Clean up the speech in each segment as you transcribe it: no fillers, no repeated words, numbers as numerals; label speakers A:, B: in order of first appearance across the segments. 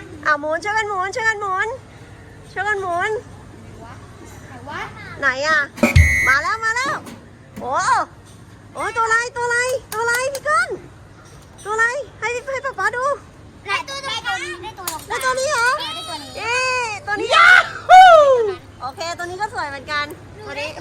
A: หมุนช่วยกันหมุนช่วยกันหมุนช่วยกันหมุนไหนอ่ะมาแล้วโอ้โอ้ตัวอะไรพี่ก้นตัวอะไรให้ป๊าป๊าดู
B: ได้ตัวนี้
A: ได้ตัวนี้เหรอเอ๊ตัวนี้โอเคตัวนี้ก็สวยเหมือนกันตัวนี้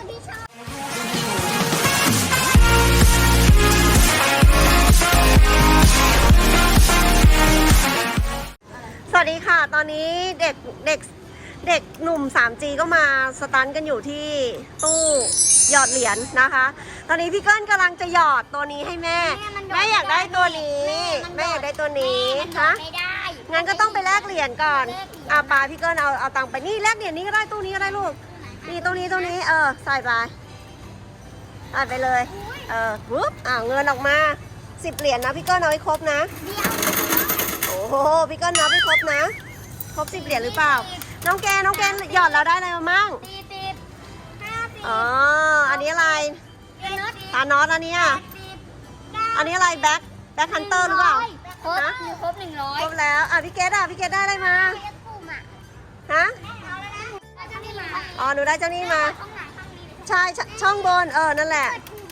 A: สวัสดีค่ะตอนนี้เด็กหนุ่ม 3G ก็มาสตันกันอยู่ที่ตู้หยอดเหรียญนะคะ ตอนนี้พี่เกิ้ลกำลังจะหยอดตัวนี้ให้แม่อยากได้ตัวนี้แม่อยากได้ตัวนี้ฮะงั้นก็ต้องไปแลกเหรียญก่อนปาพี่เกิ้ลเอาตังค์ไปนี่แลกเหรียญนี้ก็ได้ตู้นี้ก็ได้ลูกนี่ตัวนี้ใส่ไปเลยปุ๊บเงินออกมา10 เหรียญนะพี่เกิ้ลเอาให้ครบนะโอ้โหพี่เกิ้ลนับให้ครบนะครบ10 เหรียญหรือเปล่าน้องแกหยอดเราได้อะไรมามั่ง40 50อ๋ออันนี้อะไรตาน็อตอันนี้อะไรแบ็คฮันเตอร์หรือเปล่า
B: ครบ100
A: ครบแล้วพี่เกดได้อะไรมาฮะอ๋อหนูได้เจ้านี้มาใช่ช่องบนนั่นแหละ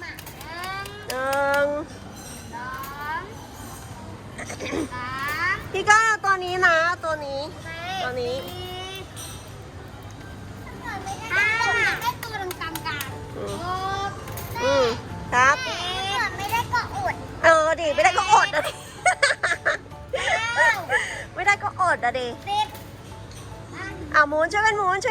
A: พี่ก็ตัวนี้นะตัวนี้
B: ได้ตัวตรงกลาง
A: ครับ
B: ไม่ได้ก็อด
A: ดิไม่ได้ก็อดนะดิไม่ได้ก็อดนะดิหมุนช่วยกันหมุน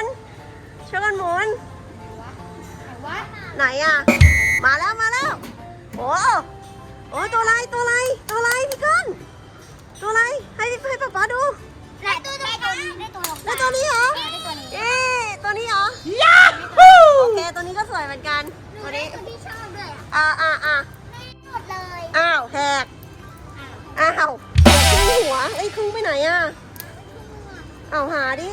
A: ไหนอ่ะมาแล้วโอ้ตัวอะไรพี่ก้นตัวอะไรให้ป๊าป๊าดู
B: ได้ตัว
A: นี้เหรอตัวนี้เหรอโอเคตัวนี้ก็สวยเหมือนกันตัวนี้
B: ที่ชอบด้วยไม่หมดเลย
A: แหกครึ่งหัวครึ่งไปไหนอ่ะหาดิ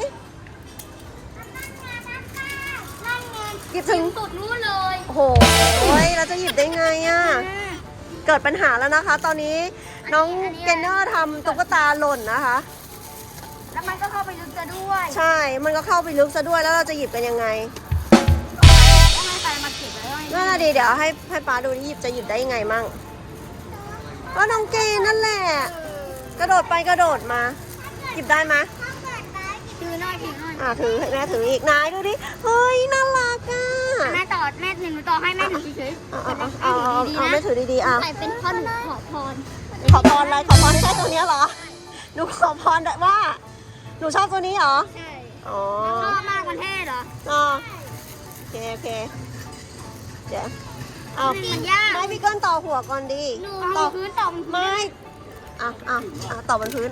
A: หยิบถึง
B: สุดนู้นเลย
A: โอ้โหเราจะหยิบได้ไงอ่ะเกิดปัญหาแล้วนะคะ ตอนนี้น้องเกนเนอร์ทำตุ๊กตาหล่นนะคะ
B: แล้วมันก็เข้าไปลึกซะด้วย
A: ใช่มันก็เข้าไปลึกซะด้วยแล้วเราจะหยิบกันยังไง
B: ต้องให้ใครมาเก็บแล้ว
A: นั่นแหละดีเดี๋ยวให้ป้าดูจะหยิบได้ยังไงมั่งก็น้องเกนนั่นแหละกระโดดไปกระโดดมาหยิบได้ไหม
B: ถือหน่อย
A: ถือให้แม่ถืออีกนายดูดิเฮ้ยน่ารักอ่ะ
B: แม่ถือหนูต่อให้แม่ถือเฉย
A: แม่ถือดีๆ
B: ใส่เป็นข้อหนูขอพร
A: อะไรขอพรให้ได้ตัวนี้เหรอหนูขอพรว่าหนูชอบตัวนี้เหรอ
B: ใช่
A: ช
B: อบมากมันเท่เหรอ
A: โอเคเดี๋ยว
B: มันยาก
A: ไม่พี่ก้นต่อหัวก่อนดี
B: ต่อพื้นต่อ
A: ไม่ต่อบนพื้น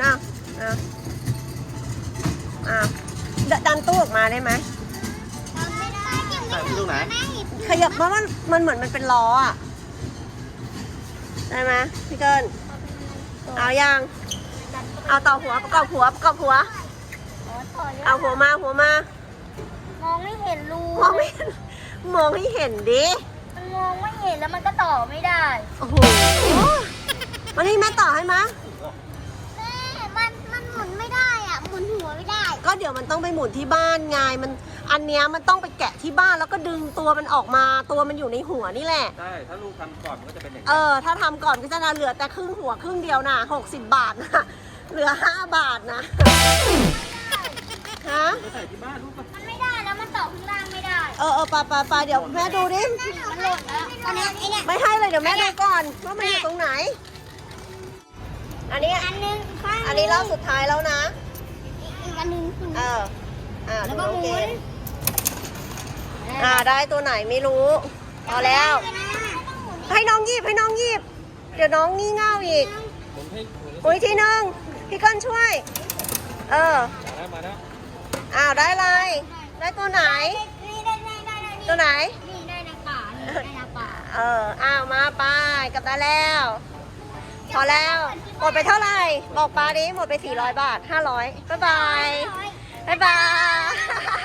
A: ดันตู้ออกมาได้ไหม
B: ไม่ได้
C: ที่ตรงไหน
A: ขยับเพราะมันเหมือนมันเป็นล้อได้ไหมพี่เกินเอายังเอาต่อหัวประกอบหัวเอาหัวม
B: ามองไม่เห็นรู
A: มองให้เห็นดิ
B: มันมองไม่เห็นแล้วมันก็ต่อไม่ได้
A: โอ้โหมันให้แม่ต่อให้มั้ย
B: มันหมุนไม่ได้หมุนหัวไม่ได้
A: ก็เดี๋ยวมันต้องไปหมุนที่บ้านไงอันเนี้ยมันต้องไปแกะที่บ้านแล้วก็ดึงตัวมันออกมาตัวมันอยู่ในหัวนี่แหละ
C: ใช่ถ้าลูกทำก่อนมันก็จะเป็นอย่าง
A: นี้ถ้าทำก่อนก็จะเหลือแต่ครึ่งหัวครึ่งเดียวนะ60 บาทนะเหลือ5 บาทนะ
C: ฮะใส่ที่บ้านลูก
B: มันไม่ได้แล้วมันต่อข้างล่างไม่ได้
A: ปาเดี๋ยวแม่ดูดิ
B: มันหล่นแล้วตอนนี้
A: ไม่ให้เลยเดี๋ยวแม่ดูก่อนว่ามันอยู่ตรงไหนอันนี้รอบสุดท้ายแล้วนะ
B: อีกอันนึง
A: แล้วก็หมุนได้ตัวไหนไม่รู้พอแล้วให้น้องหยิบเดี๋ยวน้องงี่เง่าอีกอุ้ยทีนึงพี่ก้นช่วย
C: มาแล้ว
A: ได้เลยได้ตัวไหนตัวไหน
B: นี่ได้ในป่า
A: มาไปกลับได้แล้วพอแล้วหมดไปเท่าไหร่บอกป้าดิหมดไป400 บาท500บ๊ายบาย